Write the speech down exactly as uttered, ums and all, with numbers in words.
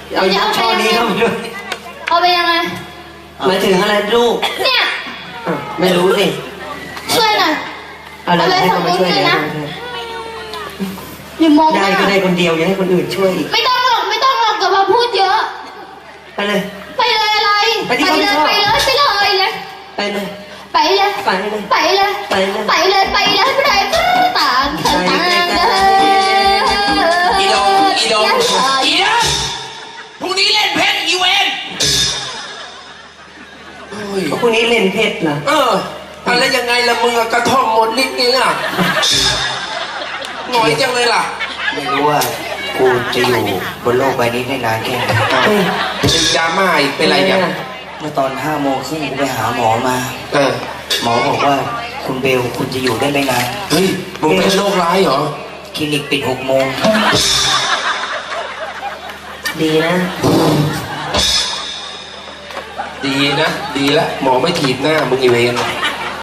เอาช่อนี้เข้ามาด้วยเอาไปยังไงหมายถึงอะไรลูกเนี่ยไม่รู้สิช่วยหน่อยเอาเลยให้เขามาช่วยเลยอย่ามองหได้น้าก็ได้คนเดียวอย่าให้คนอื่นช่วยอีกไม่ต้องหรอกไม่ต้องหรอกกับมาพูดเยอะไปเลยไปเลยอะไรไปที่ไปเลยเขาไปชอบเลยไปเลยเลยไปเลยไปเลยไปเลยไปเลยไปเลยไปเลยไปเลยไปเลยต่างคนต่างเดินอีโดอีโดอีโดพรุ่งนี้เล่นเพชรอีเวนโอ้ยพรุ่งนี้เล่นเพชรเหรอเอออะไรยังไงละมึงอะกระท่อมหมดนิดนึงอะหน่อยจังเลยล่ะไม่รู้ว่ากูจะอยู่บนโลกใบนี้ได้นานแค่ไหนเฮ้ยเป็นยาม่าอีกเป็นไรอย่างเมื่อตอนห้าโมงครึ่งกูไปหาหมอมาเออหมอบอกว่าคุณเบลคุณจะอยู่ได้ไม่นานเฮ้ยมึงเป็นโรคร้ายเหรอคลินิกปิดหกโมงดีนะดีนะ ดีละหมอไม่ถีบหน้ามึงอีเวน